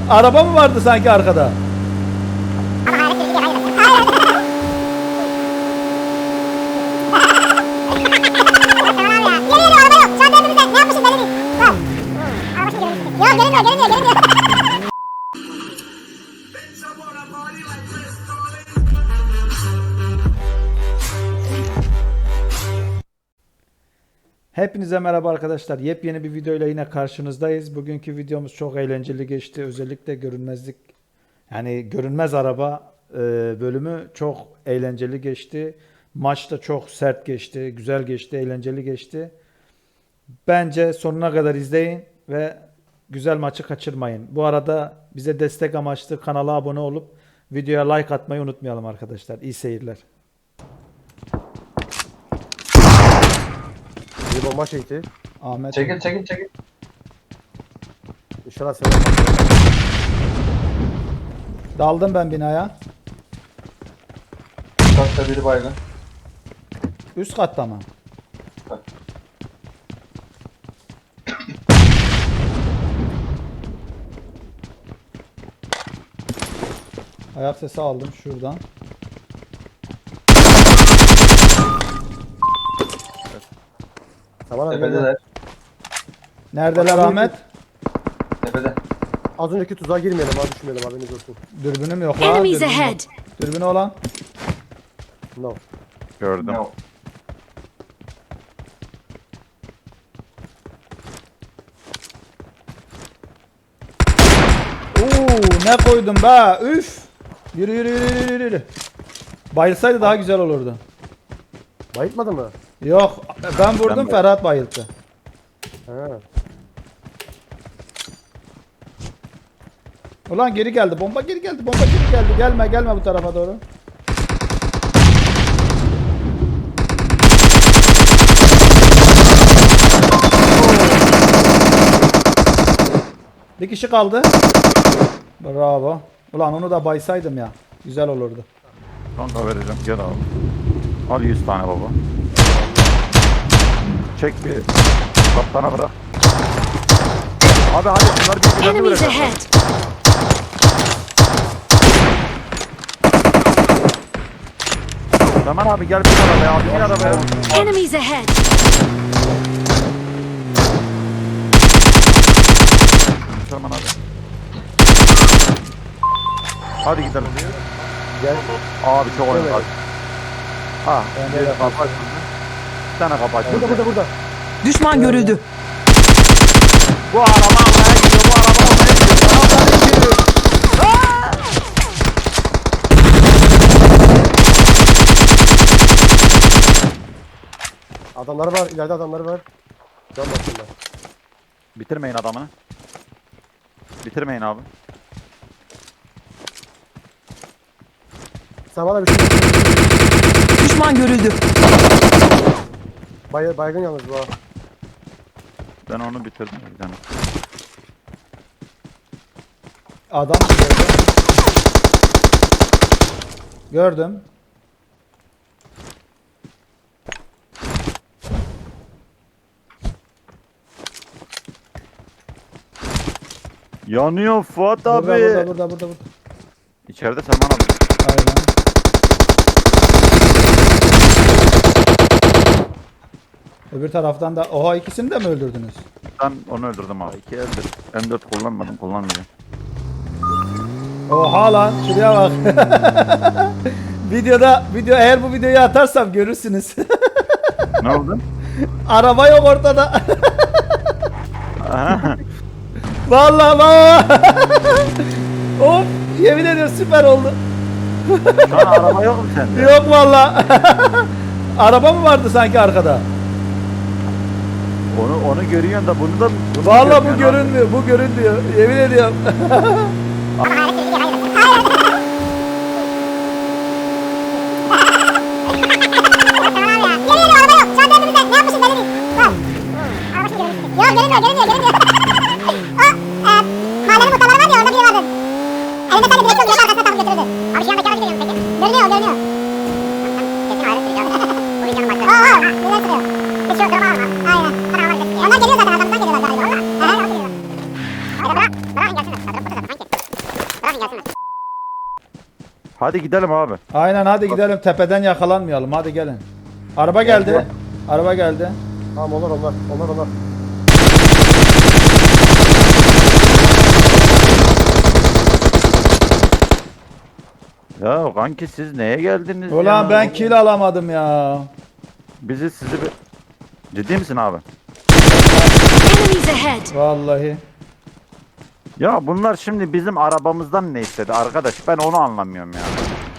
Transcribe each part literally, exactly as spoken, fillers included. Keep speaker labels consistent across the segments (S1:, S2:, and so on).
S1: Araba mı vardı sanki arkada? Hepinize merhaba arkadaşlar. Yepyeni bir videoyla yine karşınızdayız. Bugünkü videomuz çok eğlenceli geçti. Özellikle görünmezlik, yani görünmez araba e, bölümü çok eğlenceli geçti. Maç da çok sert geçti, güzel geçti, eğlenceli geçti. Bence sonuna kadar izleyin ve güzel maçı kaçırmayın. Bu arada bize destek amaçlı kanala abone olup videoya like atmayı unutmayalım arkadaşlar. İyi seyirler.
S2: Bir bomba çekti.
S1: Ahmet.
S3: Çekil çekil çekil.
S2: İnşallah sen
S1: Daldım ben binaya.
S3: Kaçta biri baygın.
S1: Üst katta mı?
S3: Bak.
S1: Ayak sesi aldım şuradan.
S2: Tamam abi.
S3: Tepedeler.
S1: Neredeler Ahmet?
S3: Tepede.
S2: Az önceki tuzağa girmeyelim abi, düşmeyelim haberiniz olsun.
S1: Dürbünüm yok lan.
S4: Enemies
S1: Dürbünüm yok.
S4: ahead.
S1: Dürbünü olan.
S2: No.
S5: Gördüm.
S3: Ne o?
S1: Oo, ne koydum be. Üf. Yürü yürü yürü yürü yürü. Bayılsaydı daha güzel olurdu.
S2: Bayıltmadı mı?
S1: Yok, ben vurdum,
S5: Ben-
S1: Ferhat bayılttı.
S2: He.
S1: Ulan geri geldi. Bomba geri geldi. Bomba geri geldi. Gelme gelme bu tarafa doğru. Bir kişi kaldı. Bravo. Ulan onu da baysaydım ya. Güzel olurdu.
S5: Kanka vereceğim, gel abi. Al yüz tane baba. Çek bir kaptana bırak. Abi hadi bunlar birbirlerini
S4: Enemies
S5: bırakın.
S4: ahead.
S5: Zaman abi gel bir arabaya abi, gel arabaya.
S4: Enemies ahead.
S5: Zaman abi. Hadi gidelim.
S2: Gel.
S5: Abi çok oyun
S2: Evet.
S5: var. Ha,
S1: Ben de
S5: bir
S1: yapayım.
S5: kapı açıldı. Bir tane kapı açıldı.
S2: Burada burada burada.
S4: Düşman görüldü.
S5: Bu araba almaya gidiyor, bu araba almaya gidiyor. Arabaya gidiyor.
S2: Adamlar var, ileride adamlar var. Can basınlar.
S5: Bitirmeyin adamını. Bitirmeyin abi.
S2: Sen bana bir şey
S4: Düşman görüldü.
S2: Bay baygın yalnız bu ha.
S5: Ben onu bitirdim. Yani.
S1: Adam gördüm. Gördüm.
S5: Yanıyor Fuat abi.
S1: Burada burada burada burada. burada.
S5: İçeride Selman abi.
S1: Aynen. Öbür taraftan da oha, ikisini de mi öldürdünüz?
S5: Ben onu öldürdüm abi. İki eldir. M dört kullanmadım, kullanmayacağım.
S1: Oha lan, şuraya bak. Videoda video eğer bu videoyu atarsam görürsünüz.
S5: Ne oldu?
S1: Araba yok ortada. Vallahi bak. Of, yemin ediyorum süper oldu.
S5: Şu an araba yok mu sende?
S1: Yok vallahi. Araba mı vardı sanki arkada?
S5: Onu onu görüyorsun da bunu da bunu
S1: Vallahi bu
S5: görmüyorsun abi.
S1: görünmüyor, bu görünmüyor. Yemin ediyorum.
S6: Yok görünmüyor görünmüyor görünmüyor. O e, mahallenin muhtarları var ya, orada biri vardı. Elinde sadece direkt yolcu arkasına takıp götürürdü. Abi şu yandaki araç görüyor musun peki? Görünüyor görünüyor. Kesin hayret sürüyor. Bu videonun başlığı. Oo oo neler sürüyor. Hiç yok durma alma. Aynen. Sana almak istiyor. Onlar geliyor zaten, adamdan geliyorlar galiba. Eee orada geliyorlar. Hayda bırak. Bırakın gelsinler. Kadırıp burada zaten sanki. gelsinler.
S5: Hadi gidelim abi.
S1: Aynen hadi gidelim tepeden yakalanmayalım hadi gelin. Araba geldi.
S3: Geldi.
S1: Araba geldi.
S2: Tamam onlar onlar. Onlar onlar.
S5: Ya kanki siz neye geldiniz
S1: Ulan
S5: ya?
S1: ben kill alamadım ya.
S5: Bizi sizi bir... Ciddi misin abi?
S4: Enemies ahead!
S1: Vallahi.
S5: Ya bunlar şimdi bizim arabamızdan ne istedi arkadaş? Ben onu anlamıyorum ya.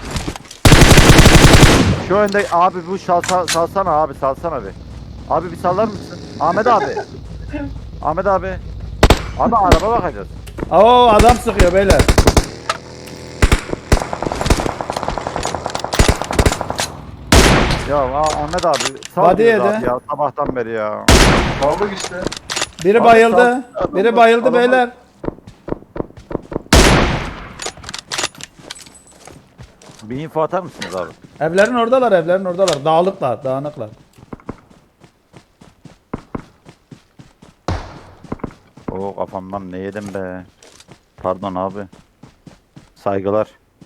S5: Şu önde abi bu salsa, salsana abi salsana bir. Abi bir sallar mısın? Ahmet abi. Ahmet abi. Abi araba bakacağız.
S1: Oo adam sıkıyor beyler.
S5: Ya ah- Ahmet abi sal
S1: Hadi
S5: bizi
S1: yedi.
S5: abi ya sabahtan beri ya.
S3: Kaldık işte.
S1: Biri
S5: Abi
S1: bayıldı.
S5: sal-
S1: Biri bayıldı
S5: Adamı-
S1: beyler.
S5: Bir info atar mısınız abi?
S1: Evlerin oradalar, evlerin oradalar. Dağılıklar, dağınıklar.
S5: Oo kafamdan ne yedim be. Pardon abi. Saygılar.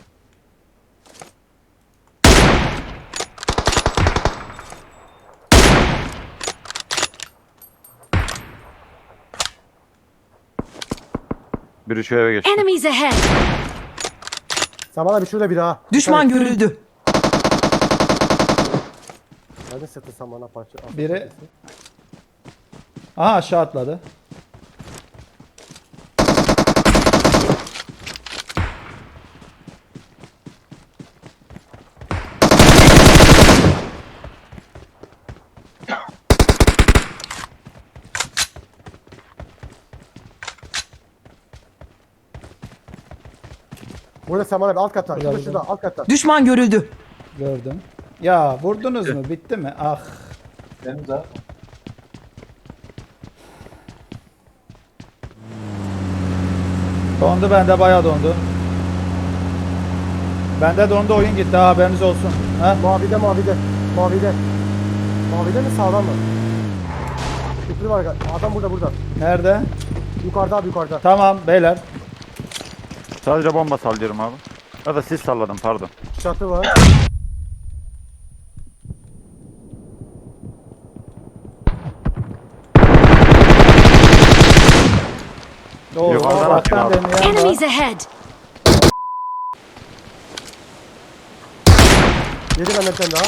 S5: Biri şu eve geçti.
S4: Enemies ahead!
S2: Sen bana bir şurada bir daha.
S4: Düşman görüldü.
S2: Hadi sırtı sen bana parça. al.
S1: Biri- Aha aşağı atladı.
S2: Burada sen bana bir alt katta. Şurada
S1: Burada,
S2: şurada alt katta.
S4: Düşman görüldü.
S1: Gördüm. Ya vurdunuz mu? Bitti mi? Ah.
S3: Benim zaten.
S1: Dondu bende bayağı dondu. Bende dondu oyun gitti ha, haberiniz olsun. Ha?
S2: Mavide mavide. Mavide. Mavide mi sağdan mı? Şükrü var. Adam burada burada.
S1: Nerede?
S2: Yukarıda abi yukarıda.
S1: Tamam beyler.
S5: Sadece bomba sallıyorum abi. Ya da siz salladın pardon.
S2: Çatı var.
S1: Oo,
S5: Yukarıdan
S1: uzaktan
S5: atıyor abi.
S1: deneyen var.
S4: Enemies ahead!
S2: Yedi benden bir tane daha.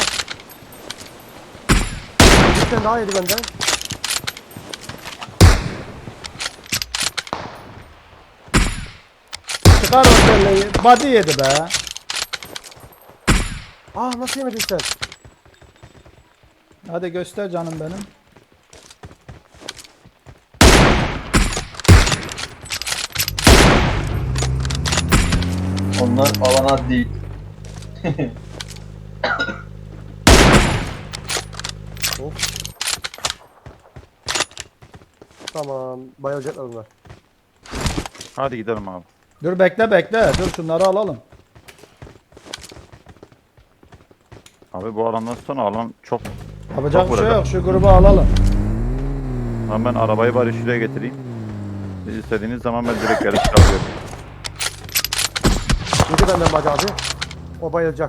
S2: Bir tane daha yedi benden.
S1: Çıkar o kelleyi. Body yedi be.
S2: Ah nasıl yemedin sen?
S1: Hadi göster canım benim.
S3: Onlar alana değil.
S2: Tamam. Bayılacaklar onlar.
S5: Hadi gidelim abi.
S1: Dur bekle bekle. Dur şunları alalım.
S5: Abi bu alandan sonra alan çok...
S1: Yapacak
S5: Çok
S1: bir şey
S5: burada.
S1: yok. Şu grubu alalım.
S5: Ama ben arabayı bari şuraya getireyim. Siz istediğiniz zaman ben direkt yarış yapıyorum.
S2: Yedi benden bacı abi. O bayılacak.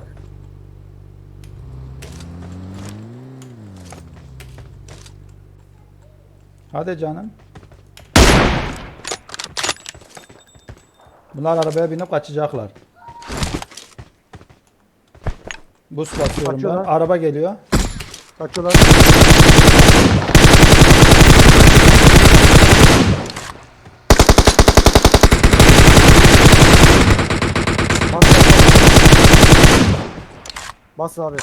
S1: Hadi canım. Bunlar arabaya binip kaçacaklar. Bus basıyorum ben.
S2: Kaçıyorlar.
S1: Araba geliyor.
S2: Kaçıyorlar. Bas, bas, bas. Basın abi.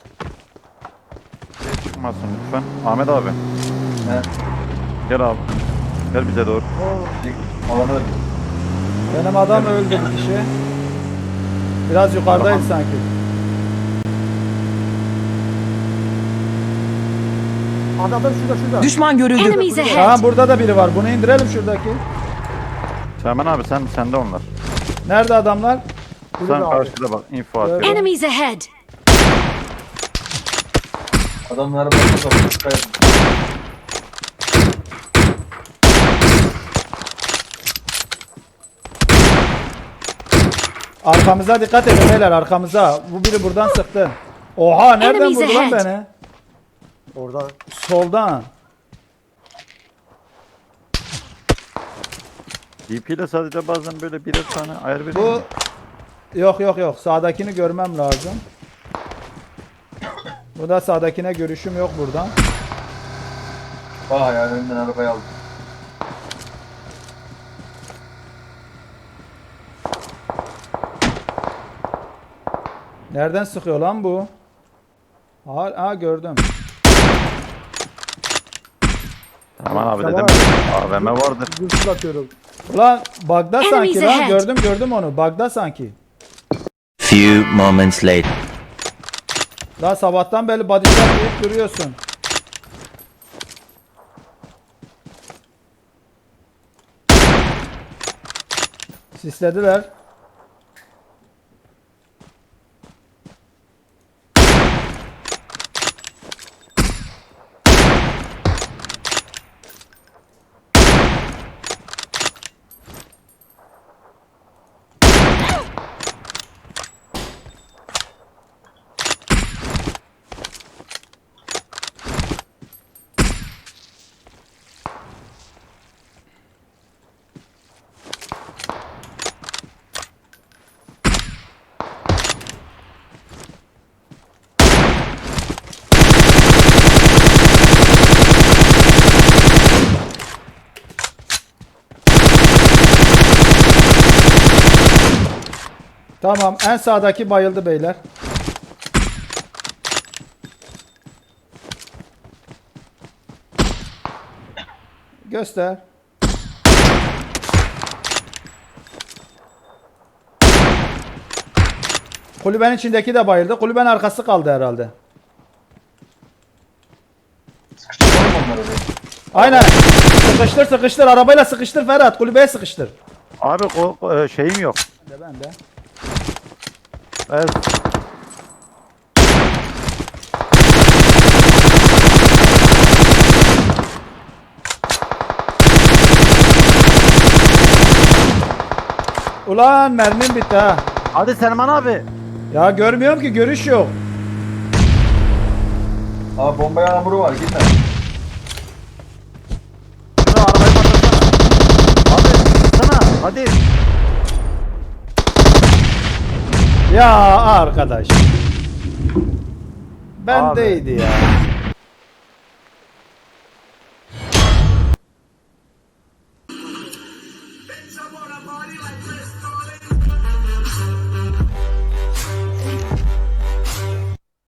S5: Şey çıkmasın lütfen. Ahmet abi.
S3: He.
S5: Gel abi. Gel bize doğru.
S3: Alanı
S1: Benim adam öldü bir kişi. Biraz yukarıdayız sanki.
S2: Abi adam şurada şurada.
S4: Düşman görüldü. Enemies ahead!
S1: Tamam burada da biri var. Bunu indirelim şuradaki.
S5: Teğmen abi sen sende onlar.
S1: Nerede adamlar?
S5: Sen
S2: Burada abi.
S5: karşıda bak info atıyorum.
S4: Enemies ahead!
S3: adamlar bakıyor. Dikkat edin.
S1: Arkamıza dikkat edin beyler, arkamıza. Bu biri buradan sıktı. Oha, nereden
S4: Enemies
S1: vurdu lan
S4: ahead.
S1: beni?
S2: Orada.
S1: Soldan.
S5: D P ile sadece bazen böyle birer tane ayar veriyor.
S1: Bu yok yok yok. Sağdakini görmem lazım. Bu da sağdakine görüşüm yok buradan.
S3: Aa yani önünden arabayı aldım.
S1: Nereden sıkıyor lan bu? Aa, aa gördüm.
S5: Aman abi
S2: Tamam.
S5: dedim. A V M vardır.
S2: Güçlü atıyorum.
S1: Ulan bug'da sanki
S4: Enemies
S1: lan.
S4: ahead.
S1: Gördüm gördüm onu. Bug'da sanki.
S7: Few moments later.
S1: Daha sabahtan beri bodyshot deyip duruyorsun. Sislediler. Tamam, en sağdaki bayıldı beyler. Göster. Kulübenin içindeki de bayıldı. Kulübenin arkası kaldı herhalde.
S3: Sıkıştıralım onları bir.
S1: Aynen. Sıkıştır sıkıştır. Arabayla sıkıştır Ferhat. Kulübeye sıkıştır.
S5: Abi o, o, e, şeyim yok.
S1: Ben de ben de.
S5: Evet.
S1: Ulan mermim bitti ha.
S5: Hadi Selman abi.
S1: Ya görmüyorum ki, görüş yok.
S3: Aa bomba yağmuru var gitme.
S5: Şunu arabayı patlatsana. Abi sana hadi.
S1: Ya arkadaş. Bendeydi ya.